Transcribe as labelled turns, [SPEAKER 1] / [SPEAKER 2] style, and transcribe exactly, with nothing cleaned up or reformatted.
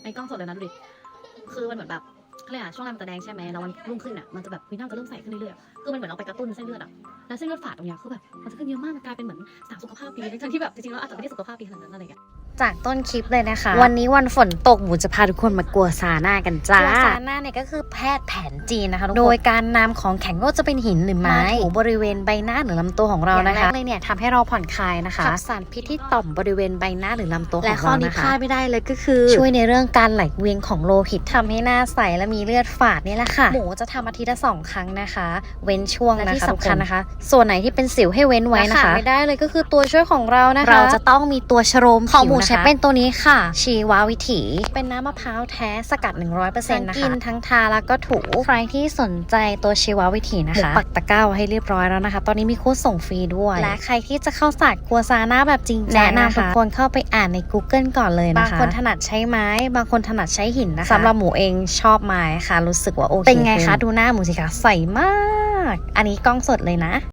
[SPEAKER 1] ในกล้องสดเลยนะดูดิคือมันเหมือนแบบเขาเรียกอะช่วงแรกมันจะแดงใช่ไหมแล้ววันรุ่งขึ้นอะมันจะแบบวิน้ำจะเริ่มใสขึ้นเรื่อยๆคือมันเหมือนเราไปกระตุ้นเส้นเลือดอะแล้วเส้นเลือดฝาดตรงเนี้ยคือแบบมันจะขึ้นเยอะมากมันกลายเป็นเหมือนสาวสุขภาพดีทั้งที่แบบจริงๆแล้วอาจจะไม่ได้สุขภาพดีขนาดนั้นอะไรอย่างเงี้ย
[SPEAKER 2] จากต้นคลิปเลยนะคะวันนี้วันฝนตกหมูจะพาทุกคนมากัวซาน่ากันจ้ากัวซาน่าเนี่ยก็คือแพทย์แผนจีนนะคะทุกคนโดยการนำของแข็งก็จะเป็นหินหรือไม้ถูบริเวณใบหน้าหรือลำตัวของเรานะคะเลยเนี่ยทำให้เราผ่อนคลายนะคะขับสารพิษที่ต่อมบริเวณใบหน้าหรือลำตัวของเรานะคะและข้อนี้พลาดไม่ได้เลยก็คือช่วยในเรื่องการไหลเวียนของโลหิตทำให้หน้าใสและมีเลือดฝาดนี่แหละค่ะหมูจะทำอาทิตย์ละสองครั้งนะคะเว้นช่วงนะคะที่สำคัญนะคะส่วนไหนที่เป็นสิวให้เว้นไว้นะคะไม่ได้เลยก็คือตัวช่วยของเรานะคะเราจะต้องมีตัวชโลมของหมูใช้เป็นตัวนี้ค่ะชีววิถีเป็นน้ำมะพร้าวแท้สกัด หนึ่งร้อยเปอร์เซ็นต์ นะคะทั้งกินทั้งทาแล้วก็ถูใครที่สนใจตัวชีววิถีนะคะปักตะกร้าให้เรียบร้อยแล้วนะคะตอนนี้มีโค้ดส่งฟรีด้วยและใครที่จะเข้าศาสตร์กัวซาน่าแบบจริงจังแนะนำทุกคนเข้าไปอ่านใน Google ก่อนเลยนะคะบางคนถนัดใช้ไม้บางคนถนัดใช้หินนะคะสำหรับหมูเองชอบไม้ค่ะรู้สึกว่าโอเคเป็นไงคะดูหน้าหมูสิคะใสมากอันนี้กล้องสดเลยนะ